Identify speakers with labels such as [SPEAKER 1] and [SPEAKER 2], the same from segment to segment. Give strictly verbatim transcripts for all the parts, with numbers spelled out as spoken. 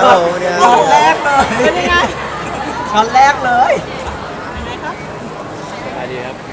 [SPEAKER 1] ครับผมเนี่ย
[SPEAKER 2] ช็อตแรกเลย
[SPEAKER 3] เป็นยังไง
[SPEAKER 2] ช็อตแรกเลย
[SPEAKER 3] ยังไงครับ
[SPEAKER 1] สวัสดีครับ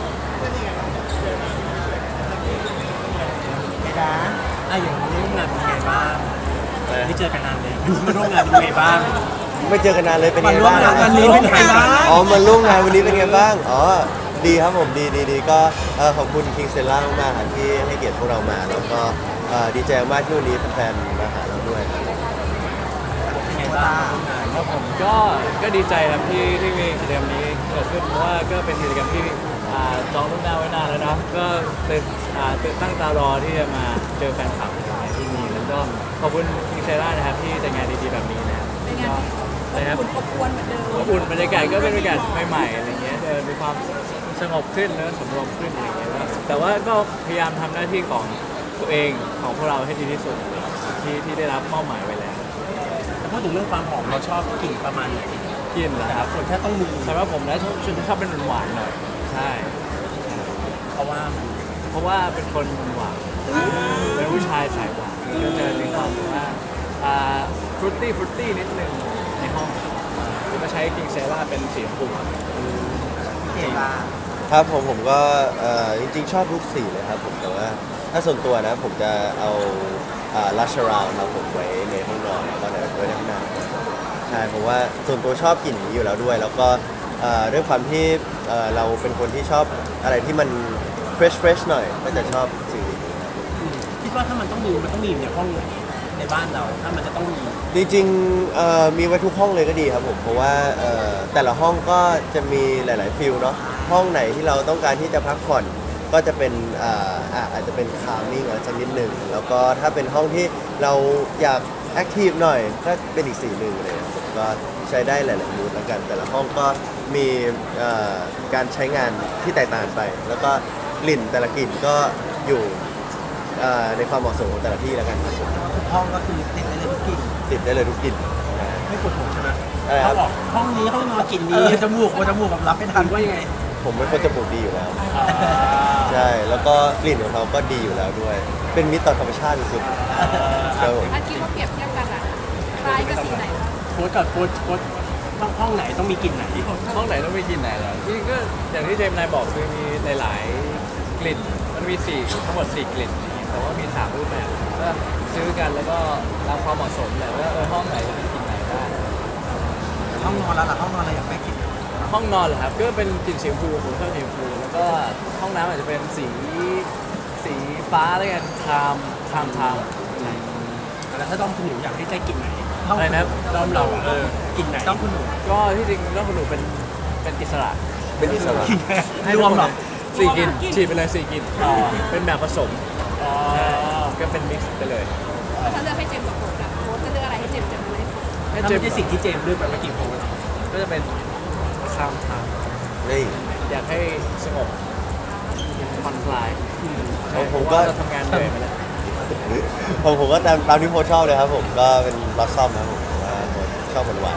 [SPEAKER 2] ไม่ได้
[SPEAKER 4] อ่ะอย่างนี้ร่วมงานเป็นไงบ้าง
[SPEAKER 1] เออ
[SPEAKER 4] ไม่เจอกันนานเลยมาร่วมงานเป็นไงบ้าง
[SPEAKER 1] ไม่เจอกันนานเลยเป็น
[SPEAKER 4] มา
[SPEAKER 1] ไง
[SPEAKER 4] ร่วม
[SPEAKER 1] บ้าง
[SPEAKER 4] งานวันนี้เป็นไงบ้าง
[SPEAKER 1] อ๋อมาร่วมงานวันนี้เป็นไงบ้างอ๋อดีครับผมดีดีดีก็เอ่อขอบคุณคิงเซล่ามากๆครับที่ให้เกียรติพวกเรามาแล้วก็เอ่อดีใจมากที่วันนี้แฟนๆมาหาเราด้วยครับ
[SPEAKER 4] เป็นไงบ้างร่วมงาน
[SPEAKER 5] ครับผมก็ก็ดีใจครับที่ที่มีกิจกรรมนี้เกิดขึ้นเพราะว่าก็เป็นกิจกรรมที่อ่าจองล่วงหน้าไว้นานแล้วเนาะก็เป็นอ่าเป็นตั้งตารอที่จะมาเจอแฟนคลับในที่นี้แล้วก็ขอบคุณคิงเซร่านะครับที่จัดงานดีๆแบบนี้นะครับ
[SPEAKER 3] เป็นไง
[SPEAKER 5] ก็นะครับ
[SPEAKER 3] คุณอบอวนเหมือนเดิม
[SPEAKER 5] อบอุ่นบรรยากาศก็เป็นบรรยากาศใหม่ๆอะไรเงี้ยเออมีความสงบขึ้นแล้วสำรวมขึ้นอะไรเงี้ยแต่ว่าก็พยายามทำหน้าที่ของตัวเองของพวกเราให้ดีที่สุดที่ที่ได้รับมอบหมายไว้แล้ว
[SPEAKER 4] แต่พูดถึงเรื่องความหอมเราชอบกลิ่นประมาณไหน
[SPEAKER 5] กินเหรอ
[SPEAKER 4] แต่
[SPEAKER 5] ครับ
[SPEAKER 4] คนแค่ต้องมี
[SPEAKER 5] สำหรับผมนะชอบชอบเป็นหวานๆหน่อยใช่
[SPEAKER 4] เพราะว่ามัน
[SPEAKER 5] เพราะว่าเป็นคนหวานเป็นผู้ชายสายหวานก็จะมีความแบบว่าอ่าฟรุตตี้ฟรุตตี้นิดนึงในห้องแล้วก็ใช้กิงเซร่าเป็นสีชมพู
[SPEAKER 2] เก่งมาก
[SPEAKER 1] ครับผมผมก็เอ่อจริงๆชอบทุกสีเลยครับผมแต่ว่าถ้าส่วนตัวนะผมจะเอาลัชราวมาผมไว้ในห้องนอนแล้วก็ในไว้ในห้องน้ำใช่เพราะว่าส่วนตัวชอบกลิ่นนี้อยู่แล้วด้วย แล้วก็เอ่อด้วยความที่เอ่อเราเป็นคนที่ชอบอะไรที่มัน fresh fresh หน่อยก็จะชอบสีนี้ครับ
[SPEAKER 4] อืมคิดว่าถ้ามันต้องมีมันต้องมีในห้องไหนในบ้านเราถ้ามันจะต้องมี
[SPEAKER 1] จริงๆเอ่อมีไว้ทุกห้องเลยก็ดีครับผมเพราะว่าเอ่อแต่ละห้องก็จะมีหลาย ๆฟิลเนาะห้องไหนที่เราต้องการที่จะพักผ่อนก็จะเป็นอ่าอ่ะอาจจะเป็นคามิ่งอะไรสักนิดหนึ่งแล้วก็ถ้าเป็นห้องที่เราอยากแอคทีฟหน่อยก็เป็นอีกสีหนึ่งเลยครับผมก็ใช้ได้หลาย ๆ มูดแล้วกัน แต่ละห้องก็มีเอ่อการใช้งานที่แตกต่างไป แล้วก็กลิ่นแต่ละกลิ่นก็อยู่เอ่อในความเหมาะสมของแต่ละที่แล้วกันครับผม
[SPEAKER 2] ทุกห้องก็คือติดได้เลยทุกกลิ่น
[SPEAKER 1] ติดได้เลยทุกกลิ่น
[SPEAKER 4] ไม่ปวดหัวใช่ไหม
[SPEAKER 1] อะไรครับ
[SPEAKER 4] เขาบอกห้องนี้ห้องนอนกลิ่น
[SPEAKER 2] เอ
[SPEAKER 4] นี้
[SPEAKER 2] อจมูกว่าจมูกแบบรับไม่ทั
[SPEAKER 4] ทั
[SPEAKER 2] น
[SPEAKER 4] นว่ายังไง
[SPEAKER 1] ผมเป็นคนจมูกดีอยู่แล้ว ใช่ แล้วก็กลิ่นของเขาก็ดีอยู่แล้วด้วย เป็นมิตรต่อธรรมชาติสุดๆครับผม
[SPEAKER 3] ถ้าคิดว่าเปรียบเทียบกันอะคล้ายกับสีไหนคะ
[SPEAKER 4] โค้ดกับโค้ดโค้ดห้องห้องไหนต้องมีกลิ่นไหน
[SPEAKER 5] ห้องไหนต้องมีกลิ่นไหนเหรอที่ก็อย่างที่เจมส์นายบอกคือมีหลาย ๆ กลิ่น มันมีสี่ทั้งหมดสี่กลิ่น แต่ว่ามีสามรูปแบบก็ซื้อกันแล้วก็ตามความเหมาะสมแหละว่าเออห้องไหนจะเป็นกลิ่นไหนได้
[SPEAKER 2] ห้องนอนแล้วล่ะห้องนอนเราอยากไปกลิ่น
[SPEAKER 5] ห้องนอนเหรอครับก็เป็นกลิ่นสีชมพูผมชอบสีชมพูแล้วก็ห้องน้ำอาจจะเป็นสีสีฟ้าแล้วกันครามครามครามใช่
[SPEAKER 4] แล้วถ้าต้องคุณหนูอยากให้ใจกลิ่นไหน
[SPEAKER 5] อะไรนะครับ
[SPEAKER 4] ด้อมเราอะเออกลิ่นไหน
[SPEAKER 2] ต้องคุณหนู
[SPEAKER 5] ก็ที่จริงแล้วคุณหนูเป็นเป็นอิสระ
[SPEAKER 1] เป็นอิสระ
[SPEAKER 5] ให้
[SPEAKER 4] รวมเหรอ
[SPEAKER 5] สี่กลิ่นฉีดไปเลยสี่กลิ่น
[SPEAKER 4] อ๋อ
[SPEAKER 5] เป็นแบบผสม
[SPEAKER 4] อ๋อ
[SPEAKER 5] ก็เป็นมิกซ์ไปเลย
[SPEAKER 3] ถ้าเลือกให้เจมส์กับโค้ดอะโค้ดจะเลือกอะไรให้เจมส์จะเลือกให้โค้ด
[SPEAKER 5] ให้
[SPEAKER 4] ถ้า
[SPEAKER 5] เจ
[SPEAKER 4] ไม่
[SPEAKER 5] ม
[SPEAKER 4] ใช่สิ่งที่เจมส์เลือกไปเมื่อกี้โค้ด
[SPEAKER 5] ก็จะเป็นครามคราม
[SPEAKER 1] นี่
[SPEAKER 5] อยากให้สงบผ่อนคลาย
[SPEAKER 1] ของผมก็
[SPEAKER 5] เราทำงานเหนื่อยมาแล้ว
[SPEAKER 1] ผมผมก็ตามตามที่โพสชอบเลยครับผมก็เป็นบลัซซัมครับผมว่าผมชอบหวาน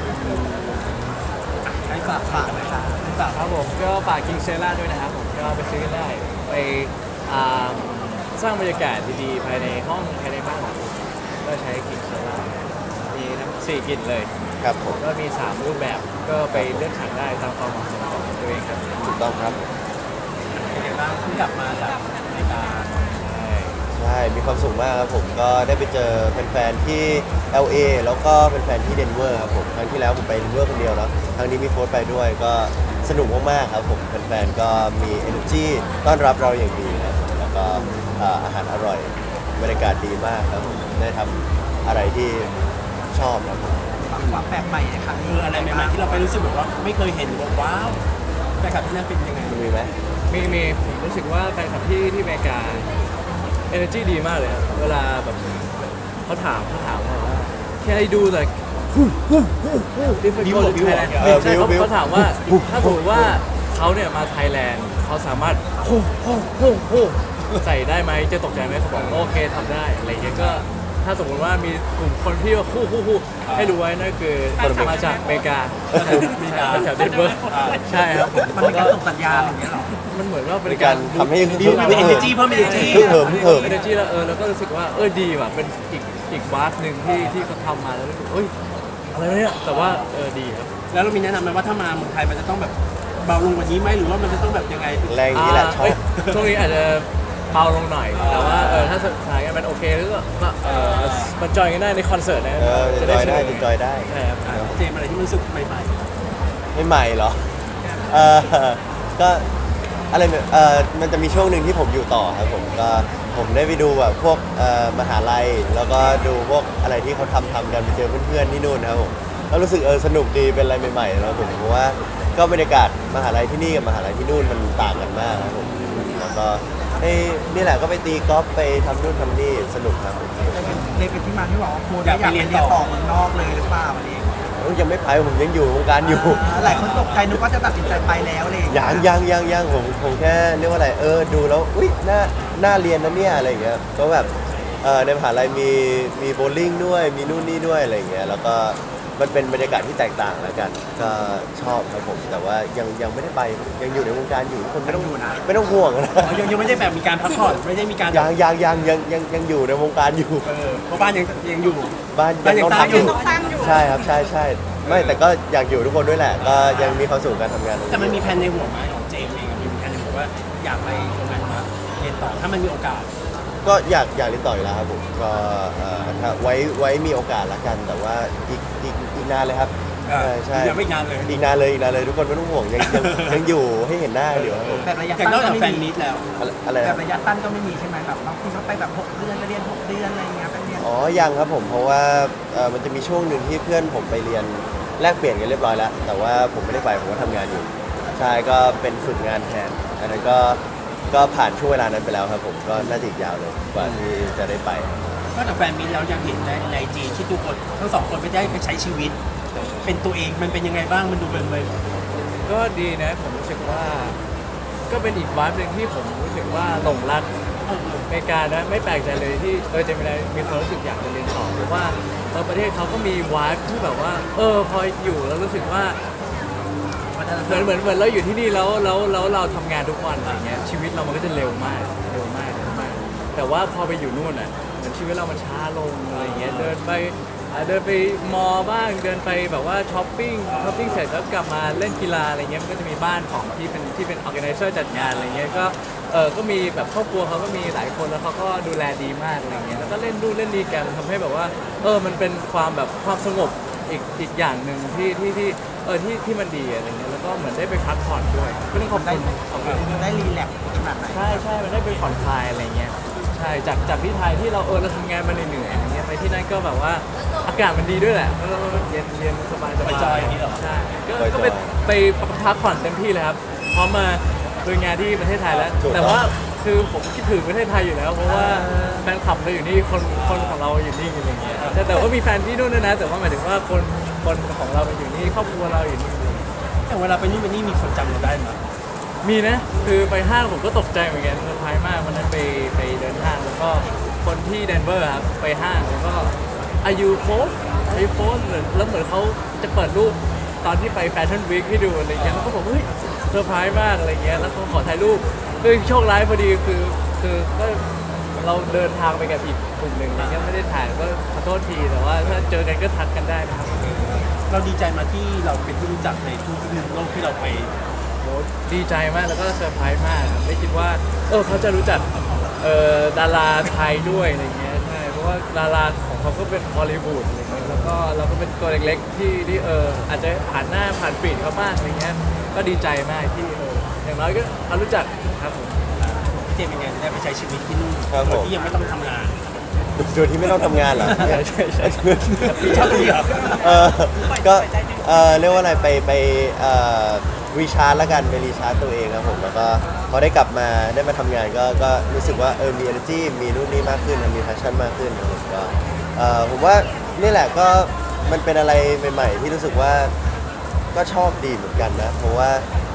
[SPEAKER 4] ให้ฝากฝากนะคะให้ฝาก
[SPEAKER 5] ครับผมก็ฝากคิงเซล่าด้วยนะครับผมก็ไปซื้อกันได้ ไปอ่าสร้างบรรยากาศดีๆภายในห้องภายในบ้านของคุณก็ใช้คิงเซล่ามีทั้งสี่กลิ่นเลย
[SPEAKER 1] ๆครับผม
[SPEAKER 5] ก็มีสามรูปแบบก็ไปเลือกฉันได้ตามความเหมาะสมของตัวเองครับ
[SPEAKER 1] ถูกต้องครับ
[SPEAKER 4] เป็นไงบ้างเพิ่งกลับมาจากอเมริกา
[SPEAKER 5] ใช่
[SPEAKER 1] ใช่ มีความสุขมากครับผมก็ได้ไปเจอแฟนๆที่ แอล เอ แล้วก็แฟนๆที่เดนเวอร์ครับผมครั้งที่แล้วผมไปเดนเวอร์คนเดียวเนาะครั้งนี้มีโค้ชไปด้วยก็สนุกมากๆครับผมแฟนๆก็มี energy ต้อนรับเราอย่างดีครับผมแล้วก็เอ่ออาหารอร่อยบรรยากาศดีมากครับผมได้ทำอะไรที่ชอบครับผม
[SPEAKER 2] ความแปลกใหม่ในครั้ง
[SPEAKER 4] คื
[SPEAKER 2] นี้
[SPEAKER 4] ออะไรใหม่ๆที่เราไปรู้สึกแบบว่าไม่เคยเห็นแบบว้าวแฟนคลับที่นั่นเป็นยังไง
[SPEAKER 1] มันมีไหม
[SPEAKER 5] มีมีผมรู้สึกว่าแฟนคลับที่ที่อเมริกา energy ดีมากเลยครับเวลาแบบเขาถามเขาถามว่า can I do like if I go to Thailand
[SPEAKER 1] เออ
[SPEAKER 5] ใช่เขา
[SPEAKER 1] บิ้ว
[SPEAKER 5] เขาถามว่าถ้าสมมติว่าเขาเนี่ยมาไทยแลนด์เขาสามารถโฮโฮโฮโฮใส่ได้ไหมจะตกใจไหมเขาบอกโอเคทำได้อะไรเงี้ยก็ถ้าสมมติว่ามีกลุ่มคนที่ว่าคู่คู่คู่ให้รู้ไว้นั่นคือคนมาจากอเมริกาแถวเดนเวอร์ใช่ครับผม
[SPEAKER 2] มันเป็นการส่งสัญญาณอย่างเงี้ยเหรอ
[SPEAKER 5] มันเหมือนว่าเป็
[SPEAKER 1] เป็น
[SPEAKER 5] น
[SPEAKER 1] กา
[SPEAKER 5] การ ร
[SPEAKER 1] ทำให้
[SPEAKER 4] มีมี energy เพิ่ม energy
[SPEAKER 1] เพิ่มเพิ่มเพิ่ม
[SPEAKER 5] เอเนจีแล้วเออแล้วก็รู้สึกว่าเออดีว่ะเป็นอีกอีกวาร์หนึ่งที่ที่เขาทำมาแล้วรู้สึกเอ้ยอะไรวะเนี่ยแต่ว่าเออดีครับ
[SPEAKER 4] แล้วเรามีแนะนำไหมว่าถ้ามาเมืองไทยมันจะต้องแบบเบาลงกว่านี้ไหมหรือว่ามันจะต้องแบบยังไง
[SPEAKER 1] แรงอย่างนี้แหละชอ
[SPEAKER 5] เอ้ย
[SPEAKER 1] บ
[SPEAKER 5] ช่วงนี้อาจจะเบาลงหน่อย แต่ว่าเออถ้าสถานการณ์มันโอเคแล้วก็ก็เออมาจอยกันได้ในคอนเสิร์ตนะ
[SPEAKER 1] เออจะจอยได้จะจอยได้
[SPEAKER 5] ใช่ครับ
[SPEAKER 4] อ่ะเจมส์อะไรที่มันรู้สึกใหม่
[SPEAKER 1] ไม่ใหม่เหรอ เออก็อะไรเนี่ยเออมันจะมีช่วงหนึ่งที่ผมอยู่ต่อครับผมก็ผมได้ไปดูแบบพวกเอ่อมหาลัย แล้วก็ดูพวกอะไรที่เขาทำทำกันไปเจอเพื่อนๆที่นู่นนะครับผมก็รู้สึกเออสนุกดีเป็นอะไรใหม่ๆแล้วผมเพราะว่าก็บรรยากาศมหาลัยที่นี่กับมหาลัยที่นู่นมันต่างกันมากครับผมแล้วก็ให้นี่แหละก็ไปตีกอล์ฟไปทำนู่นทำนี่สนุกครับผม
[SPEAKER 2] เลยเป็นที่มาที่บอกว่าโค้ชอยากไปเรียนต่อเมืองนอกเลยหรือเปล่าวันนี้
[SPEAKER 1] ยังไม่ไปผมยังอยู่วงการอยู่
[SPEAKER 2] หลายคนตกใจนึกว่าจะตัดสินใจไปแล้วเลย
[SPEAKER 1] ยังยังยังยังผมผมแค่เรียกว่าอะไรเออดูแล้วอุ้ยน่าน่าเรียนนะเนี่ยอะไรอย่างเงี้ยก็แบบเออในมหาลัยมีมีโบว์ลิ่งด้วยมีนู่นนี่ด้วยอะไรอย่างเงี้ยแล้วก็มันเป็นบรรยากาศที่แตกต่างแล้วกัน ก็ชอบครับผมแต่ว่ายังยังไม่ได้ไปยังอยู่ในวงการอยู่ทุกคนไม่ต้องไม่ต้องห่วงนะ
[SPEAKER 4] ๆอ๋อยังยังไม่ได้แบบมีการพักผ่อนไม่ได้มีการ
[SPEAKER 1] ยังยังยังยังยังยังอยู่ในวงการอยู่
[SPEAKER 4] เออเพราะบ้านยังยังอยู่
[SPEAKER 1] บ้าน
[SPEAKER 4] บ้านยัง
[SPEAKER 1] ต้อง
[SPEAKER 4] สร้าง
[SPEAKER 1] ทำ
[SPEAKER 4] อยู่
[SPEAKER 3] ต้องสร้างอยู่
[SPEAKER 1] ใช่ครับใช่ใช่ไม่แต่ก็อยากอยู่ทุกคนด้วยแหละ ก็ยังมีความสุขกับการทำงานตรง
[SPEAKER 4] แต่มันมีแผนในหัวไหมของเจมส์เองมีแผนในหัวว่าอยากไปตรงนั้นมาเรียนต่อถ้ามันมีโอกาส
[SPEAKER 1] ก็อยากอยากเรียนต่ออยู่แล้วครับผมก็เอ่อถ้าไว้ไว้มีโอกาสละกัน แต่ว่าอีกอีกอีกนานเลยครับ
[SPEAKER 4] อ่า
[SPEAKER 1] ใช่ใช่
[SPEAKER 4] ยังไม่นานเลย
[SPEAKER 1] อีกนานเลยอีกนานเลยทุกคนไม่ต้องห่วงยังยังยังอยู่ให้เห็นหน้าอยู่ครับผม
[SPEAKER 2] แบบระยะ
[SPEAKER 4] แต่
[SPEAKER 2] สั้น
[SPEAKER 4] นอก
[SPEAKER 2] ก็
[SPEAKER 4] จาก
[SPEAKER 2] ไม่
[SPEAKER 4] แฟน
[SPEAKER 2] มี
[SPEAKER 4] มีตแล้ว
[SPEAKER 1] อะไรอะไร
[SPEAKER 2] แบบ
[SPEAKER 1] นะ
[SPEAKER 2] ระยะสั้นก็ไม่มีใช่ไหมแบบบางทีเขาไปแบบหกเดือนไปเรียนหกเดือนอะไรอย่างเงี้ยไปเรียน
[SPEAKER 1] อ๋อยังครับผมเพราะว่าเอ่อมันจะมีช่วงหนึ่งที่เพื่อนผมไปเรียนแลกเปลี่ยนกันเรียบร้อยแล้ว แต่ว่าผมไม่ได้ไปผมก็ทำงานอยู่ใช่ก็เป็นฝึกงานแทนอันนั้นก็ก็ผ่านช่วงเวลานั้นไปแล้วครับผมก็น่าจะอีกยาวเลยกว่าที่จะได้ไป
[SPEAKER 4] นอกจากแฟนมีตแล้วยังเห็นในในจีที่ทุกคนทั้งสองคนไปได้ไปใช้ชีวิต เป็นตัวเองมันเป็นยังไงบ้างมันดูเป็นเลย
[SPEAKER 5] ก็ดีนะผมรู้สึกว่า ก็เป็นอีกวาร์หนึ่งที่ผมรู้สึกว่าหลงรักอเมริกานะไม่แปลกใจเลยที่เออเจมินายมีความรู้สึกอยากจะเรียนต่อเพราะว่าเออประเทศเขาก็มีวาร์ที่แบบว่า เออพออยู่แล้วรู้สึกว่า เหมือนเหมือนเหมือนเราอยู่ที่นี่แล้วแล้วแล้วเราทำงานทุกวันอะไรเงี้ยชีวิตเรามันก็จะเร็วมากเร็วมากเร็วมาก แต่ว่าพอไปอยู่นู่นอ่ะเหมือนชีวิตเรามันช้าลงอะไรเงี้ยเดินไปอ่าเดินไปมอลล์บ้างเดินไปแบบว่าช้อปปิ้งช้อปปิ้งเสร็จแล้วกลับมาเล่นกีฬาอะไรเงี้ยมันก็จะมีบ้านของที่เป็นที่เป็นออแกไนเซอร์จัดงานอะไรเงี้ยก็เออก็มีแบบครอบครัวเขาก็มีหลายคนแล้วเขาก็ดูแลดีมากอะไรเงี้ยแล้วก็เล่นดูเล่นดีกันทำให้แบบว่าเออมันเป็นความแบบความสงบอีกอีกอย่างหนึ่งที่ที่ที่เออที่ที่มันดีอะไรเงี้ยแล้วก็เหมือนได้ไปพักผ่อนด้วยก็ต้องขอบ
[SPEAKER 2] ได้
[SPEAKER 5] คุณขอบคุณ
[SPEAKER 2] ได้รีแลกซ์ขนาดไหน
[SPEAKER 5] ใช่ใช่มันได้ไปผ่อนคลายอะไรเงี้ยใช่จากจากที่ไทยที่เราเออเราทำงานมาเหนื่อยๆอย่างเงี้ยไปที่นั่นก็แบบว่าอากาศมันดีด้วยแหละแล้วเราเรียนเรียนสบายส
[SPEAKER 4] ไป
[SPEAKER 5] บาย
[SPEAKER 4] จอยอย่างนี้เหรอ
[SPEAKER 5] ใช่ก็ก็ไปไปพักผ่อนเต็มที่เลยครับพร้อมมาดูงานที่ประเทศไทยแล้ว แต่ว่าคือผมคิดถึงประเทศไทยอยู่แล้ว เพราะว่าแฟนคลับเราอยู่นี่คนคนของเราอยู่นี่อะไรเงี้ยแต่แต่ว่ามีแฟนที่นู่นด้วยนะ แต่ว่าหมายถึงว่าคนคนของเราอยู่นี่ครอบครัวเราอยู่นี่
[SPEAKER 4] แต่เวลาไปนู่นไปนี่มีคนจำเราได้ไหม
[SPEAKER 5] มีนะ คือไปห้างผมก็ตกใจเหมือนกันเซอร์ไพรส์มากวันนั้นไปไปเดินห้างแล้วก็คนที่เดนเวอร์ครับไปห้างแล้วก็อายุโฟสอายุโฟสเหมือนแล้วเหมือนเขาจะเปิดรูปตอนที่ไปแฟชั่นวีคให้ดูอะไรเงี้ยแล้วก็บอกเฮ้ยเซอร์ไพรส์มากอะไรเงี้ยแล้วเขาขอถ่ายรูปคือโชคร้ายพอดีคือคือก็เราเดินทางไปกับอีกกลุ่มหนึ่งอะไรเงี้ยไม่ได้ถ่ายก็ขอโทษทีแต่ว่าถ้าเจอกันก็ทักกันได้นะครับ
[SPEAKER 4] เราดีใจมาที่เราเป็นที่รู้จักในทุกมุมโลกที่เราไป
[SPEAKER 5] โหดีใจมากแล้วก็เซอร์ไพรส์มากครับไม่คิดว่าเออเขาจะรู้จักเอ่อดาราไทยด้วยอะไรเงี้ยใช่เพราะว่าดาราของเขาก็เป็นฮอลลีวูดอะไรเงี้ยแล้วก็เราก็เป็นตัวเล็กๆที่ที่เอออาจจะผ่านหน้าผ่านฟีดเขาบ้างอะไรเงี้ยก็ดีใจมากที่เอออย่างน้อยก็เขารู้จักครับผม
[SPEAKER 4] พี่เจมส์เป็นไงได้ไปใช้ชีวิตที่นู่น
[SPEAKER 1] ครับผม
[SPEAKER 4] โดยที่ยังไม่ต้องทำงาน
[SPEAKER 1] โดยที่ไม่ต้องทำงานเหรอ
[SPEAKER 5] ใช่ใช่ใช่
[SPEAKER 4] ชอบตรงนี้เหรอ
[SPEAKER 1] เออก็เออเรียกว่าอะไรไปไปเอ่อรีชาร์จละกันไปรีชาร์จตัวเองครับผมแล้วก็พอได้กลับมาได้มาทำงานก็ก็รู้สึกว่าเออมี energy มีนู่นนี่มากขึ้นมี passion มากขึ้นครับผมก็เออผมว่านี่แหละก็มันเป็นอะไรใหม่ๆที่รู้สึกว่าก็ชอบดีเหมือนกันนะเพราะว่า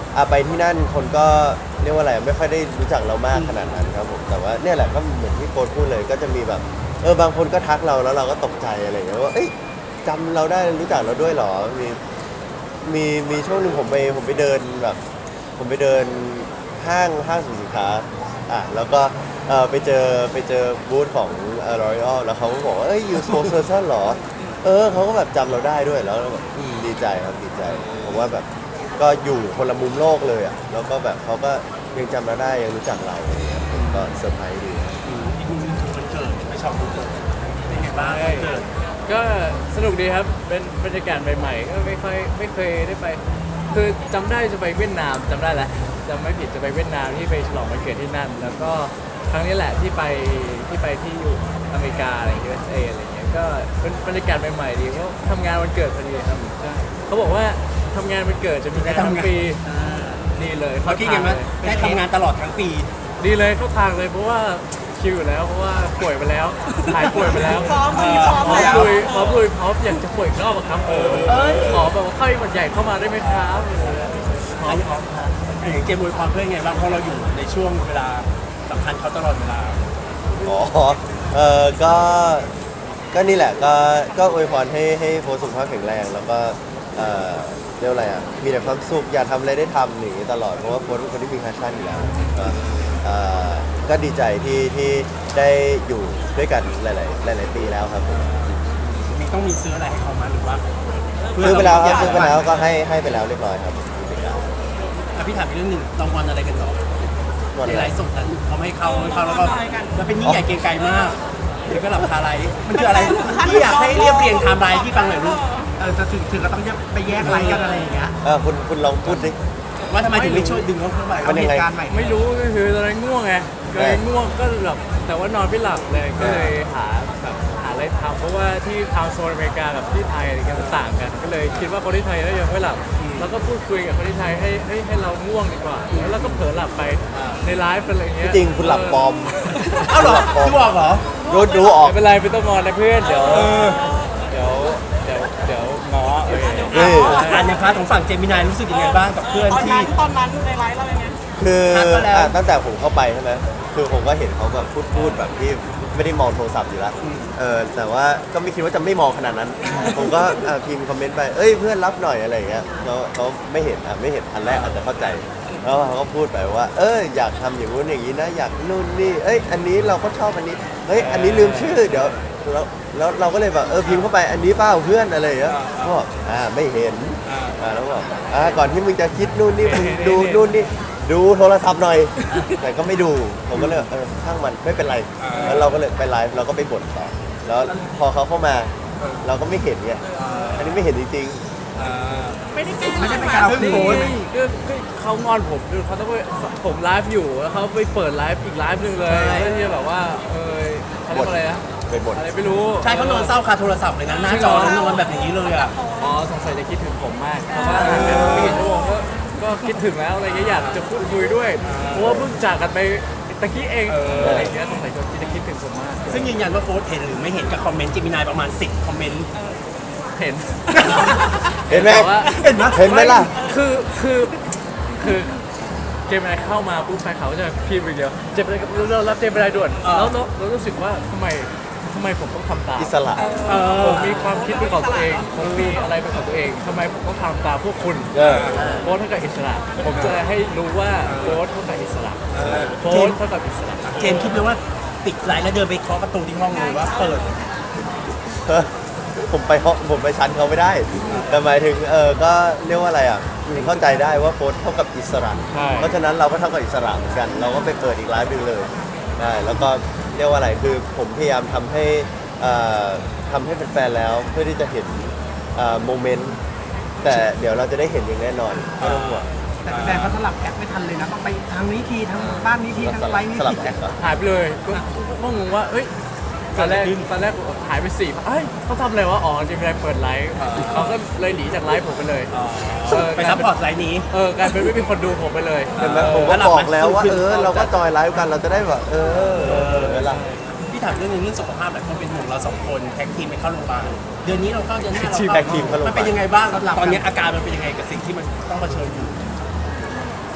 [SPEAKER 1] อ่ะไปที่นั่นคนก็เรียกว่าอะไรไม่ค่อยได้รู้จักเรามากขนาดนั้นครับผมแต่ว่าเนี่ยแหละก็เหมือนที่โค้ชพูดเลยก็จะมีแบบเออบางคนก็ทักเราแล้วเราก็ตกใจอะไรอย่างเงี้ยว่าเอ้ยจำเราได้รู้จักเราด้วยเหรอมีมีมีช่วงหนึ่งผมไปผมไปเดินแบบผมไปเดินห้างห้างสรรพสินค้าอ่ะแล้วก็เออไปเจอไปเจอบูธของเอ่อ L'Oreal แล้วเขาก็บอกว่าเอ้ย you spokesperson เหรอเออเขาก็แบบจำเราได้ด้วยแล้วเราแบบอืมดีใจครับดีใจผมว่าแบบก็อยู่คนละมุมโลกเลยอ่ะแล้วก็แบบเขาก็ยังจำเราได้ยังรู้จักเราอะไรเงี้ยผมก็เซอร์ไพรส์ดี
[SPEAKER 4] อืมอีกมุมหนึงคือวันเกิดไม่ชอบวันเกิดเป็นไงบ้างวันเกิด
[SPEAKER 5] ก็สนุกดีครับเป็นบรรยากาศใหม่ๆก็ไม่ค่อยไม่เคยได้ไป คือจำได้จะไปเวียดนามจำได้แหละจำไม่ผิดจะไปเวียดนามที่ไปฉลองวันเกิดที่นั่น แล้วก็ครั้งนี้แหละที่ไปที่ไปที่อยู่อเมริกาอะไรอย่างเงี้ย ยู เอส เอ อะไรอย่างเงี้ยก็เป็นบรรยากาศใหม่ๆดีเพราะทำงานวันเกิดพอดีครับใช่เขาบอกว่าทำงานวันเกิดจะมีงานทั้งปีดีเลย
[SPEAKER 4] เมื่อกี้ไงมั้ยได้ทำงานตลอดทั้งปี
[SPEAKER 5] ดีเลยเข้าทางเลยเพราะว่าคิวอยู่แล้วเพราะว่าป่วยไปแล้วหายป่วยไปแล้ว
[SPEAKER 3] พร้อมมีพร้อม
[SPEAKER 5] พร้อม
[SPEAKER 3] แล้ว
[SPEAKER 5] ลุยพร้อมลุยพร้อมอยากจะป่วยอีกรอบอะครับขอแบบว่าไข้หวัดใหญ่เข้ามาได้ไหมครับพร้อมพร้อม
[SPEAKER 4] อย่างเกมมวยความเพื่อนไงบ้างเพราะเราอยู่ในช่วงเวลาสำคัญเขาตลอดเวลา
[SPEAKER 1] อ๋อเออก็ก็นี่แหละก็ก็อวยพรให้ให้โค้ชสุขภาพแข็งแรงแล้วก็เออเรียกว่าอะไรอ่ะมีแต่ความสุขอยากทำอะไรได้ทำอย่างนี้ตลอดเพราะว่าโค้ชเป็นคนที่มีแพชชั่นอยู่แล้วก็เออก็ดีใจที่ที่ได้อยู่ด้วยกันหลาย ๆ หลาย ๆ ปีแล้วครับผม
[SPEAKER 4] มีต้องมีซื้ออะไรให้เขามาหรือว่า
[SPEAKER 1] ซื้อไปแล้วครับซื้อไปแล้วก็ให้ให้ไปแล้วเรียบร้อยครับ
[SPEAKER 4] แต่พี่ถามอีกเรื่องหนึ่งรางวัลอะไรกันต่อ
[SPEAKER 1] วัน
[SPEAKER 4] ใน
[SPEAKER 1] อะไร
[SPEAKER 4] ไลฟ์สดนั้นเขาไม่ให้เขาไม่ให้เขาแล้วก็แล้วเป็นยิ่งใหญ่เกรียงไกรมากหรือก็หลับคาไลฟ์มันคืออะไรพี่อยากให้เรียบเรียงไทม์ไลน์ที่ฟังหน่อยลูก
[SPEAKER 2] เออจะถึงถึงก็ต้องไปแยกไลน์กันอะไรอย่างเงี้ย
[SPEAKER 1] เออคุณคุณลองพูดดิ
[SPEAKER 4] ว่าทำไมถึงไม่ช่วยดึงเขาเข้ามา
[SPEAKER 1] มันยังไง
[SPEAKER 2] เหตุการณ์ใหม่
[SPEAKER 5] ไม่รู้ก็คือตอนนั้นง่วงไงก็เลยง่วงก็แบบแต่ว่านอนไม่หลับเลยก็เลยหาแบบหาอะไรทำเพราะว่าที่ทางโซนอเมริกากับที่ไทยอะไรเงี้ยมันต่างกัน ก็เลยคิดว่าคนที่ไทยน่าจะไม่หลับแล้วก็พูดคุยกับคนที่ไทยให้ให้ให้เราง่วงดีกว่าแล้วเราก็เผลอหลับไปในไลฟ์อะไรเงี้ย
[SPEAKER 1] ที่จริงคุณหลับปลอม
[SPEAKER 4] เอ้าเหรอ
[SPEAKER 1] หลับปลอม
[SPEAKER 4] ที่บอกเหรอ
[SPEAKER 1] รู้รู้ออก
[SPEAKER 5] ไม่เป็นไรไม่ต้องงอนนะเพื่อนเดี๋ยวเดี๋ยวเดี๋ยวเดี๋ยวง้อเออ
[SPEAKER 1] นี่
[SPEAKER 4] อ่านในพาร์ทของฝั่งเจมินายรู้สึกยังไงบ้างกับเพื่อน
[SPEAKER 3] ตอน
[SPEAKER 4] ที่
[SPEAKER 3] นั้นตอนนั้นในไลฟ์เราเป็นไง
[SPEAKER 1] คือ
[SPEAKER 4] ทักมาแล้ว
[SPEAKER 1] อ่ะตั้งแต่ผมเข้าไปใช่ไหมคือผมก็เห็นเขาแบบพูดพูดแบบที่ไม่ได้มองโทรศัพท์อยู่แล้วเออแต่ว่าก็ไม่คิดว่าจะไม่มองขนาดนั้น ผมก็อ่ะพิมพ์คอมเมนต์ไปเอ้ยเพื่อนรับหน่อยอะไรอย่างเงี้ยเขาเขาไม่เห็นอ่ะไม่เห็นอันแรกอาจจะเข้าใจแล้วเขาก็พูดไปว่า เอออยากทำอย่างนู้นอย่างนี้นะอยากนู่นนี่เอ้ยอันนี้เราก็ชอบอันนี้เฮ้ยอันนี้ลืมชื่อเดี๋ยวแล้วแล้วเราก็เลยแบบเออพิมพ์เข้าไปอันนี้เปล่าเพื่อนอะไรอย่างเงี้ยเขาบอกอ่าไม่เห็น อ่าแล้วบอกอ่าก่อนที่มึงจะคิดนู่นนี่มึงดูนู่นนี่ดูโทรศัพท์หน่อย แต่ก็ไม่ดูผมก็เลยเออช่างมันไม่เป็นไรแล้วเราก็เลยไปไลฟ์เราก็ไปบ่นต่อแล้วพอเขาเข้ามาเราก็ไม่เห็นไงอันนี้ไม่เห็นจริง
[SPEAKER 3] ไม่ได้แกล้ง
[SPEAKER 2] ไม่ได้เป็นการเอาคืน
[SPEAKER 5] ก็ก็เขางอนผมคือเขาต้องไปผมไลฟ์อยู่แล้วเขาไปเปิดไลฟ์อีกไลฟ์หนึ่งเลยเพื่อที่จะแบบว่าเออเขาเรียกว่าอะไรนะ
[SPEAKER 1] ๆไปบ่น
[SPEAKER 5] อะไรไม่รู้
[SPEAKER 4] ใช่เขานอนเศร้าคาโทรศัพท์เลยนะหน้าจอเขานอนแบบอย่างนี้เลยอ่ะ
[SPEAKER 5] อ๋อสงสัยจะคิดถึงผมมากเพราะว่าอ่านไปไม่กี่ชั่วโมงก็ก็คิดถึงแล้วอะไรเงี้ยอยากจะพูดคุยด้วยเพราะว่าเพิ่งจากกันไปตะกี้เองอะไรเงี้ยสงสัยจะคิดถึงผมมาก
[SPEAKER 4] ซึ่งยืนยันว่าโฟร์เห็นหรือไม่เห็นกับคอมเมนต์เจมินายประมาณสิบคอมเมนต์
[SPEAKER 5] เห็น
[SPEAKER 1] เห็นไหม
[SPEAKER 5] แต่ว่า
[SPEAKER 1] เห็นไหมเห็นไหมล่ะ
[SPEAKER 5] คือคือคือเจมินายเข้ามาปุ๊บแฟนเขาจะพิมพ์ไปเดียวเจมินายเรารับเจมินายด่วนแล้วเราเรารู้สึกว่าทำไมทำไมผมต้องทำตาม
[SPEAKER 1] อิสระ
[SPEAKER 5] ผมมีความคิดเป็นของตัวเองผมมีอะไรเป็นของตัวเองทำไมผมต้องทำตามพวกคุณ
[SPEAKER 1] เออ
[SPEAKER 5] โค้ชเท่ากับอิสระ ผมจะให้รู้ว่าโค้ชเท่ากับอิสระโค้ชเท่ากับอิสระ
[SPEAKER 4] เจมส์คิดไหมว่าติดไลน์แล้วเดินไปเคาะประตูที่ห้องเลยว่าเปิด
[SPEAKER 1] เออผมไปห้องผมไปชั้นเขาไม่ได้ แต่หมายถึงเออก็เรียกว่าอะไรอ่ะเข้าใจได้ว่าโค้ชเท่ากับอิสระ
[SPEAKER 5] ใช่
[SPEAKER 1] เพราะฉะนั้นเราก็เท่ากับอิสระเหมือนกัน เราก็ไปเปิดอีกไลฟ์หนึงเลยได้แล้วก็เรียกว่าอะไรคือผมพยายามทำให้เอ่อทำให้แฟนๆแล้วเพื่อที่จะเห็นเอ่อโมเมนต์แต่เดี๋ยวเราจะได้เห็นอย่างแน่นอนไม่ต้องห่วง
[SPEAKER 2] แต่แฟนเขาสลับแอคไม่ทันเลยนะต้องไปทางนี้ทีทางบ้านนี้ทีทาง
[SPEAKER 1] ส
[SPEAKER 2] ไล
[SPEAKER 1] ลับ
[SPEAKER 2] น์นี้
[SPEAKER 1] สลับ
[SPEAKER 2] ที
[SPEAKER 1] แอคเหรอ
[SPEAKER 5] หายไปเลยก็ก็งงว่าเอ้ยตอนแรกตอนแรกหายไปสี่เอ้ยเขาทำอะไรวะอ๋อเจมินายเปิดไลฟ์เขาก็เลยหนีจากไลฟ์ผมไปเลยเออ
[SPEAKER 4] ไปซัพพอร์ตไลน์นี้
[SPEAKER 5] เออกลายเป็นไม่มีคนดูผมไปเลย
[SPEAKER 1] เห็นไหมผมก็บอกแล้วว่าเออเราก็จอยไลฟ์กันเราจะได้แบบเออเวลา
[SPEAKER 4] พี่ถามเรื่องหนึงเรื่องสุขภาพหลายคนเป็นห่วงเราสองคนแท็กทีมไปเข้าโรงพยาบาลเดือนนี้เราเข้าเดือนหน้าเรา
[SPEAKER 1] แท็กทีมเข้าโรงพยาบาล
[SPEAKER 4] มันเป็นยังไงบ้างตอนนี้อาการมันเป็นยังไงกับสิ่งที่มันต้องเผชิญอยู่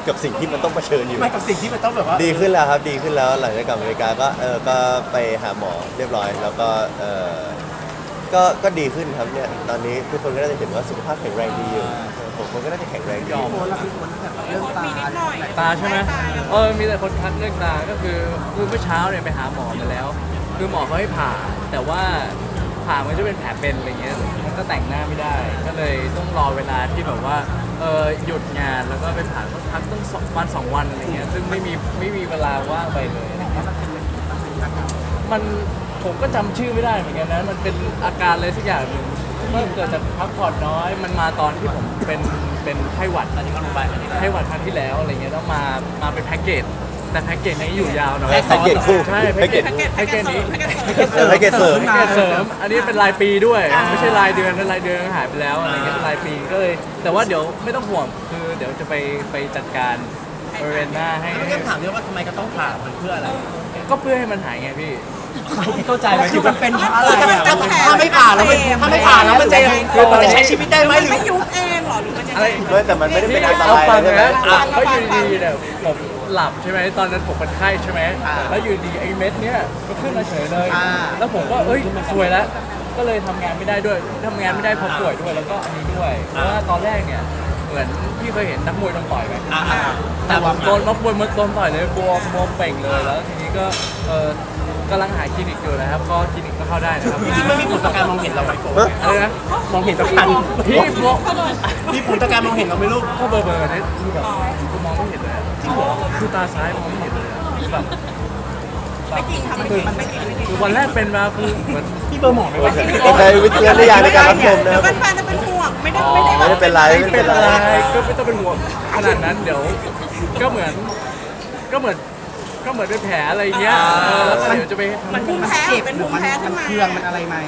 [SPEAKER 1] กับสิ่งที่มันต้องเผชิญอยู่
[SPEAKER 4] ไม่กับสิ่งที่มันต้องแบบว่า
[SPEAKER 1] ดีขึ้นแล้วครับดีขึ้นแล้วหลังจากกลับอเมริกาก็เออก็ไปหาหมอเรียบร้อย แล้วก็เออก็ก็ดีขึ้นครับเนี่ยตอนนี้ทุกคนก็น่าจะเห็นว่าสุขภาพแข็งแรงดีอยู่ผมคนก็น่าจะแข็งแรงดี
[SPEAKER 2] โฟนแล้วพี่โฟนแบบเรื่องตา
[SPEAKER 3] มีนิดหน่อย
[SPEAKER 5] ตาใช่ไหมเออมีแต่คนทักเรื่องตาก็คือคือเมื่อเช้าเนี่ยไปหาหมอมาแล้ว คือหมอเขาให้ผ่า แต่ว่าผ่ามันจะเป็นแผลเป็นอะไรเงี้ยมันก็แต่งหน้าไม่ได้ ก็เลยต้องรอเวลาที่แบบว่าเออหยุดงานแล้วก็ไปผ่าต้องพักต้องสองวันสองวันอะไรเงี้ยซึ่งไม่มีไม่มีเวลาว่างไปเลย มันผมก็จำชื่อไม่ได้เหมือนกันนะ มันเป็นอาการอะไรสักอย่างหนึ่งมันเกิดจากพักผ่อนน้อย มันมาตอนที่ผมเป็นเป็นไข้หวัด
[SPEAKER 4] อันนี้ก็ลงไปอันนี้
[SPEAKER 5] ไข้หวัดครั้งที่แล้วอะไรเงี้ยแล้วมามาเป็นแพ็กเกจแต่แพ็กเกจนี้อยู่ยาวหน่อย
[SPEAKER 1] แพ็กเกจคู่
[SPEAKER 5] ใช่
[SPEAKER 1] แพ็กเกจ
[SPEAKER 5] แพ็กเกจนี้
[SPEAKER 1] เออแพ็กเกจเสริม
[SPEAKER 5] แพ็กเกจเสริม อันนี้เป็นรายปีด้วย ไม่ใช่รายเดือนนะรายเดือนหายไปแล้วอะไรเงี้ยเป็นรายปีก็เลย แต่ว่าเดี๋ยวไม่ต้องห่วงคือเดี๋ยวจะไปไปจัดการบริเวณหน้าให้
[SPEAKER 4] ไม่ได้ถามเรื่องว่าทำไมก็ต้องผ่ามันเพื่ออะไร
[SPEAKER 5] ก็เพื่อให้มันหายไงพี่
[SPEAKER 4] เข้าใจไหม
[SPEAKER 2] คือมันเป็นเพราะอะไร
[SPEAKER 3] มัน
[SPEAKER 2] อ่ะ
[SPEAKER 3] จะแผล
[SPEAKER 4] ถ้าไม่ผ่าแล้วมันถ้าไม่ผ่าแล้วมันจะมันจะใช้ชีวิตได้ไหม
[SPEAKER 3] มัน
[SPEAKER 4] หรือ
[SPEAKER 3] ไม่ยุบเองเหรอหรือมันยัง
[SPEAKER 5] อะไร
[SPEAKER 3] ไง
[SPEAKER 1] ไม่แต่มันไม่ได้เป็นอันต
[SPEAKER 5] เอา
[SPEAKER 1] ราย
[SPEAKER 5] ฟัง
[SPEAKER 1] ใช่ไหม
[SPEAKER 5] นะ
[SPEAKER 3] อ่ะ
[SPEAKER 5] ก็อยู่ดีๆเนี่ยผมหลับใช่ไหมตอนนั้นผมเป็นไข้ใช่ไหมแล้วอยู่ดีไอ้เม็ดเนี้ยก็ขึ้นมาเฉยเลย แล้วผมก็เอ้ยสวยแล้ว ก็เลยทำงานไม่ได้ด้วยทำงานไม่ได้เพราะป่วยด้วยแล้วก็อันนี้ด้วย เพราะว่าตอนแรกเนี่ยเหมือนพี่เคยเห็นนักมวยโดนต่อยไหม
[SPEAKER 4] อ่า
[SPEAKER 5] แต่ผมโดนนักมวยมันโดนต่อยเลยบวมบวมเป่งเลยแล้วทีนี้ก็เออกำลังหาคลินิกอยู่นะครับก็คลินิกก็เข้าได้นะครับ
[SPEAKER 4] จริงๆไม่มีผลต่อการมองเห็นเราไหมโฟ
[SPEAKER 5] อะไรนะ
[SPEAKER 4] มองเห็นต่อการ
[SPEAKER 5] พี่บวม
[SPEAKER 4] มีผลต่อการมองเห็นเราไหมลูก
[SPEAKER 5] ก็เบอร์เบอร์เนี่ยคือแบบคือมองไม่เห็นเลยอะจริงเหรอคือตาซ้ายมองไม่เห็นเลยอะแบบ
[SPEAKER 3] ไม่จริงค่ะไม่จริงไม่จริงไม่จริง
[SPEAKER 5] คือวันแรกเป็นมาคือเหมือน
[SPEAKER 4] พี่เบอร์หมอไหมวะ
[SPEAKER 1] ใช้วิจารณญาณในการรับชมนะ
[SPEAKER 3] เดี๋
[SPEAKER 1] ค
[SPEAKER 3] ยว
[SPEAKER 1] รับ
[SPEAKER 3] แฟนๆจะเป็นห่วงไม่ได้
[SPEAKER 5] อ๋อ
[SPEAKER 3] ไม่ได้
[SPEAKER 1] ไม่ได้เป็นไรไม่เป็นไร
[SPEAKER 5] ก็ไม่ต้องเป็นห่วงขนาดนั้นเดี๋ยวก็เหมือนก็เหมือนก็เหมือนเป็นแผลอะไรอย่างเงี้ยเออแล้วก็เดี๋ยวจะไปทำ
[SPEAKER 3] มันภูมิแพ้
[SPEAKER 2] เจ็บ
[SPEAKER 3] เป็น
[SPEAKER 2] หรื
[SPEAKER 3] ภู
[SPEAKER 2] อ
[SPEAKER 3] มิ
[SPEAKER 2] มัน
[SPEAKER 3] แพ้
[SPEAKER 2] มั
[SPEAKER 3] ขึ้
[SPEAKER 2] น
[SPEAKER 3] นมา
[SPEAKER 2] เครื่องมันอะไรไหม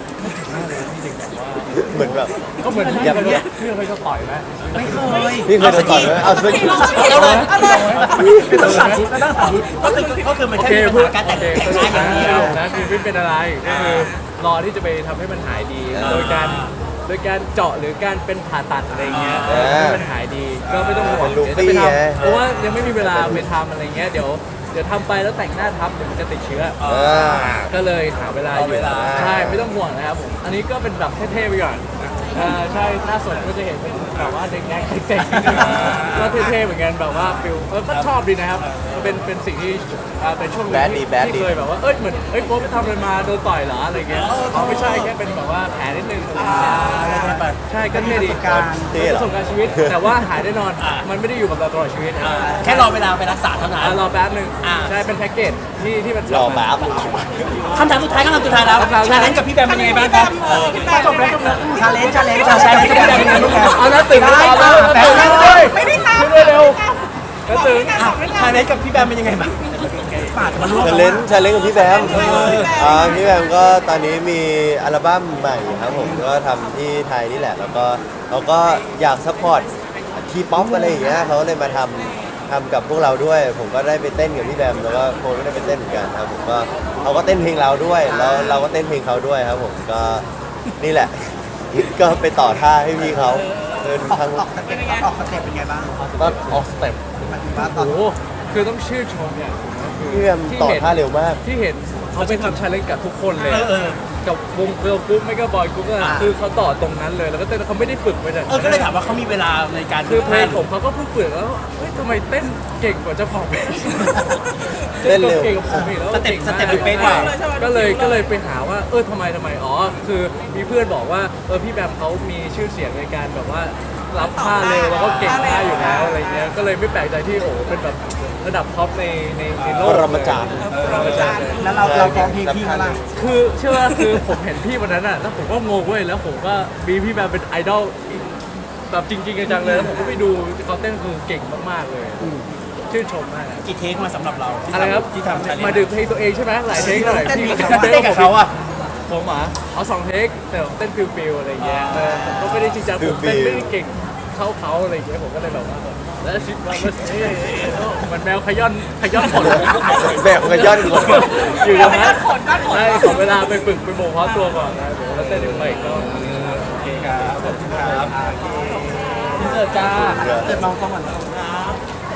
[SPEAKER 1] เหมือนแบบ
[SPEAKER 5] ก็เหมือนที่
[SPEAKER 1] อย่า
[SPEAKER 5] เคยที่เคยจะต่อยไหม
[SPEAKER 2] ไม่เคย
[SPEAKER 1] พี่เคยโดนต่อยไหมเอาสักที
[SPEAKER 3] เอาเลยเอาเลย
[SPEAKER 2] ไม่ต้องสาธิตไม่ต้องสาธิต
[SPEAKER 4] ก็คือก็คือมัน
[SPEAKER 5] โอ
[SPEAKER 4] แค่
[SPEAKER 5] เค
[SPEAKER 4] มีปัญ
[SPEAKER 5] พูด
[SPEAKER 4] หาการแต่ง
[SPEAKER 5] โอเค
[SPEAKER 4] แต่งหน้าอย่างเดียว
[SPEAKER 5] นะคือไม่เป็นอะไรก็คือรอที่จะไปทำให้มันหายดี โดยการโดยการเจาะหรือการเป็นผ่าตัดอะไรเงี้ยเออให้มันหายดีก็ไม่ต้องห่วง
[SPEAKER 1] เป็นลู
[SPEAKER 5] เดี๋ยวจะ
[SPEAKER 1] ฟี่
[SPEAKER 5] ไปท
[SPEAKER 1] ไง
[SPEAKER 5] ำเพราะว่ายังไม่มีเวลาไปทำอะไรเงี้ยเดี๋ยวเดี๋ยวทำไปแล้วแต่งหน้าทับเดี๋ยวมันจะติดเชื้อ
[SPEAKER 1] เออ
[SPEAKER 5] ก็เลยหาเวลาอยู่
[SPEAKER 4] เอาเวลา
[SPEAKER 5] ใช่ไม่ต้องห่วงนะครับผมอันนี้ก็เป็นแบบเท่ๆไปก่อนอ่าใช่หน้าสดก็จะเห็นเป็นแบบว่าเด็กๆเด็กๆก็เท่ๆเหมือนกันแบบว่าฟิลเออก็ชอบดีนะครับเป็นเป็นสิ่งที่อ่าเป็นช่วงหนึง
[SPEAKER 1] Bad ดี
[SPEAKER 5] ที่
[SPEAKER 1] Bad
[SPEAKER 5] ที่
[SPEAKER 1] ดี
[SPEAKER 5] เคยแบบว่าเอ้ยเหมือนเอ้ยโป๊ปไปทำอะไรมาโดนต่อยเหรออะไรเงี้ยเขาไม่ใช่แค่เป็นแบบว่าแผลนิดนึงอะไรเงี้ยใช่ก็เท่ดี
[SPEAKER 2] การ
[SPEAKER 1] เท่
[SPEAKER 5] ป
[SPEAKER 1] เหร
[SPEAKER 5] ระ
[SPEAKER 1] อ
[SPEAKER 5] สบการณ์ชีวิต แต่ว่าหายแน่นอนมันไม่ได้อยู่กับเราตลอดชีวิตนะ
[SPEAKER 4] แค่รอเวลาไปรักษาเท่านั้น
[SPEAKER 5] อ่ะรอแป๊บหนึง
[SPEAKER 4] อ่า
[SPEAKER 5] ใช่เป็นแพ็กเกจที่ที่มัน
[SPEAKER 1] รอแป๊บ
[SPEAKER 4] คำถามสุดท้ายคำถามสุดท้ายแล้ว
[SPEAKER 5] คำถาม
[SPEAKER 4] ชาเลนจ์กับพี่แบมเป็นยังไงบ้างครับ
[SPEAKER 3] เออพี่แบม
[SPEAKER 2] จบแล้วจบแล้วชาเลนจ์ชาเลนจ์ชา
[SPEAKER 4] ชา
[SPEAKER 2] เล
[SPEAKER 4] เล
[SPEAKER 2] น
[SPEAKER 4] น
[SPEAKER 2] จ์
[SPEAKER 4] จ์กับพี่แบมเป็นยังไงบ้างครับ
[SPEAKER 5] เอาแล้วตื่นมาแล้วตื่นเลย
[SPEAKER 3] ไม่ได้ทำ
[SPEAKER 5] ขึ้นเร็วแล้วตื่น
[SPEAKER 4] อ่ะชาเลนจ์กับพี่แบมเป็นยังไงบ้าง
[SPEAKER 2] ปาดมาลูก
[SPEAKER 1] ชาเลนจ์ชาเลนจ์กับพี่แบมอ่าพี่แบมก็ตอนนี้มีอัลบั้มใหม่ครับผมก็ทำที่ไทยนี่แหละ แล้วก็เราก็อยากซัพพอร์ตทีป๊อปอะไรอย่างเงี้ยเขาเลยมาทำทำกับพวกเราด้วย ผมก็ได้ไปเต้นกับพี่แบมแล้วก็โฟนก็ได้ไปเต้นเหมือนกันครับผมก็เขาก็เต้นเพลงเราด้วยแล้วเราก็เต้นเพลงเขาด้วยครับผมก็นี่แหละ ก็ไปต่อท่าให้พี่เขาเดิน
[SPEAKER 2] ออก
[SPEAKER 1] ทาง
[SPEAKER 2] ออกสเต็ปออกสเต็ปเป็นไงบ้าง
[SPEAKER 1] ก็ออกสเต็ป
[SPEAKER 2] หมายถึงว่าตอ
[SPEAKER 5] โอ้
[SPEAKER 2] น
[SPEAKER 5] โหคือต้องชื่นชมเนี่ยคือ
[SPEAKER 1] พี่แบมต่อท่าเร็วมาก
[SPEAKER 5] ที่เห็นเขาไปทำชาเลนจ์กับทุกคนเลย
[SPEAKER 4] เออเออ
[SPEAKER 5] กับวงเกิร์ลกรุ๊ปไม่ก็บอยกรุ๊ปก็
[SPEAKER 4] อ่า
[SPEAKER 5] คือเขาต่อตรงนั้นเลยแล้วก็เต้นเขาไม่ได้ฝึกไปจาก
[SPEAKER 4] เออก็เลยถามว่าเขามีเวลาในการ
[SPEAKER 5] คือเพลงผมเขาก็เพิ่งฝึกแล้วเฮ้ยทำไมเต้นเก่งกว่าเจ้าของเพลง
[SPEAKER 1] เต้นเร็ว
[SPEAKER 5] เก่งกว่าผมอีกแล้ว
[SPEAKER 4] สเต็ป
[SPEAKER 5] ก่ง
[SPEAKER 4] ส
[SPEAKER 5] มาก
[SPEAKER 4] เต็ปมันเป๊ะกว่า
[SPEAKER 5] ก็เลยก็เลยไปหาว่าเออทำไมทำไมอ๋อคือมีเพื่อนบอกว่าเออพี่แบมเขามีชื่อเสียงในการแบบว่ารับท่าเร็วแล้วก็เก่งท่าอยู่แล้วอะไรเงี้ยก็เลยไม่แปลกใจที่โอ้โหเป็นแบบระดับท็อปในในในโลก
[SPEAKER 1] ปรมาจารย์
[SPEAKER 5] ปรมาจารย์เลย
[SPEAKER 2] แล้วเราเราฟ้องเพลงพี่เขาล่ะ
[SPEAKER 5] คือเชื่อว่าคือผมเห็นพี่วันนั้นอ่ะแล้วผมก็งงเว้ยแล้วผมก็มีพี่แบมเป็นไอดอลอีกแบบจริงๆจังๆเลยแล้วผมก็ไปดูเขาเต้นคือเก่งมากๆเลยชื่นชมมากอะ
[SPEAKER 4] กี่เทคมาสำหรับเราที่
[SPEAKER 5] อะไรครับ
[SPEAKER 4] ทำที่ทำชาเลนจ์
[SPEAKER 5] มาดื่มเพลงตัวเองใช่ไหมหลายเทคหน่อยพี่
[SPEAKER 4] เต้นกับเขาอ่ะ
[SPEAKER 5] ผมอ่ะเอาสองเทคแต่ผมเต้นฟิลฟิลอะไรเงี้ยเออผมก็ไม่ได้จริงจังผมเต้นไม่ได้เก่งเข้าเขาอะไรเงี้ยผมก็เลยแบบว่าแล้วชิดว่ามันเอ๊ะเหมันแมวขย้อนขย้อนขน
[SPEAKER 1] แบบกระย่อนก่อน
[SPEAKER 5] อยู่ตรงนั้นใช่ขอเวลาไปฝึกไปโมเพาะตัวก่อนนะเดี๋ยวแล้วเต้นเดี๋ยวไปอีกรอบ
[SPEAKER 4] โอเคครับขอบคุณครับพี่เสิร์ฟจ้า
[SPEAKER 2] เสร็จมองกล้องก่อน
[SPEAKER 4] ครับ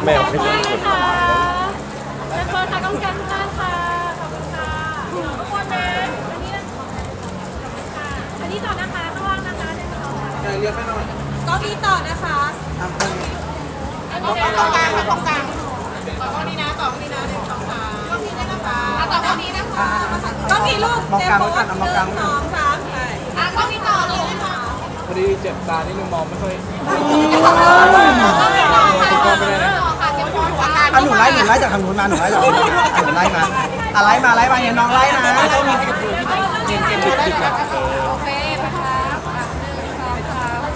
[SPEAKER 1] แมวเป็นเรื่องคน
[SPEAKER 3] ค่ะเป็นคนค่ะต้องการมากค่ะขอบคุณค่ะทุกคนนะอันนี้ค่ะอันนี้ต่อนะคะข้างล่างนะคะเดินต่อค่ะ
[SPEAKER 2] เรียกให้หน่อย
[SPEAKER 3] ก็มีต่อนะคะ
[SPEAKER 2] ทำคน
[SPEAKER 3] ตรงกลางตรงกลางตรงกลางต่อข้างนี้นะต่อข้างนี้นะหนึ่งสองสามก็มีได้นะคะต่อข้างนี้นะคะก็มีลูก
[SPEAKER 2] มองกลางไว้ก่อนเอามองกลางไว้
[SPEAKER 3] ส
[SPEAKER 2] ก่อน
[SPEAKER 3] องสามใช่อ่ะก็มีต่อเลยนะคะ
[SPEAKER 5] พอดีเจ็บตานิดนึงมองไม่ค่อย
[SPEAKER 3] ก็มีต่อค่ะต่อค่ะเก็บของอาการ
[SPEAKER 2] อ่ะหนูไล่หนูไล่จากทางนู้นมาหนูไล่จากทางนู้นมาอ่ะหนูไล่มาอ่ะไล่มาไล่มาเนี่ยน้องไล่นะ
[SPEAKER 4] ต้องมีให้กับตัวเจมส์เจมส์ดึกดึกๆอะ
[SPEAKER 3] โอเคไปครับอ่ะหนึ่งสองสามเอา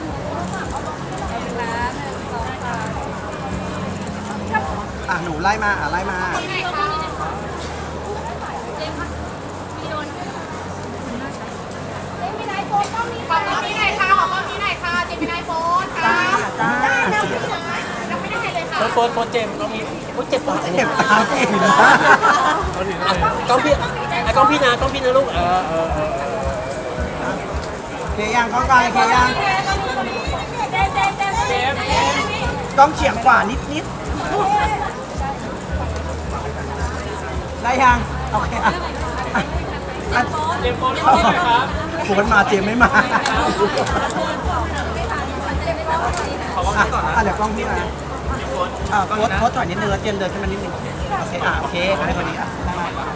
[SPEAKER 3] ละหนึ่งสองสาม
[SPEAKER 2] อ่ะหนูไล่มาอ่ะไล่มา
[SPEAKER 3] ที่ไหนคะเจมส์ค่ะมีโดนเจมส์มีไอโฟนต้องมีขอต้องมีไหนคะขอต้องมีไหนคะเจมส์มีไอโฟนค่ะ
[SPEAKER 2] จ้า
[SPEAKER 3] ยังไม่ได้เลยค่ะ
[SPEAKER 4] โฟนโฟนเจมส์ก็มีโอ้ยเจ็บปวด
[SPEAKER 2] เจ็บตาเจ็บนะ
[SPEAKER 5] เขาถึงเลย
[SPEAKER 4] กล้องพี่ไอ้กล้องพี่นะกล้องพี่นะลูกเออเออเออ
[SPEAKER 2] เคยังกล้องกลางเคยัง
[SPEAKER 3] เจมส์เจมส์เจมส์เจมส์เจมส์
[SPEAKER 2] กล้องเฉียงขวานิดนิดได้ยังโอเคอ่ะอ่ะอ่ะ
[SPEAKER 5] เจมส์โฟนเข้าไปครับ
[SPEAKER 2] โฟนมาเจมไม่มาอ่ะอ่ะเดี๋ยวกล้องพี่นะอ่ะโฟนโฟนถอยนิดนึงแล้วเจมเดินขึ้นมานิดนึงโอเคอ่ะโอเคให้พอดีอ่ะ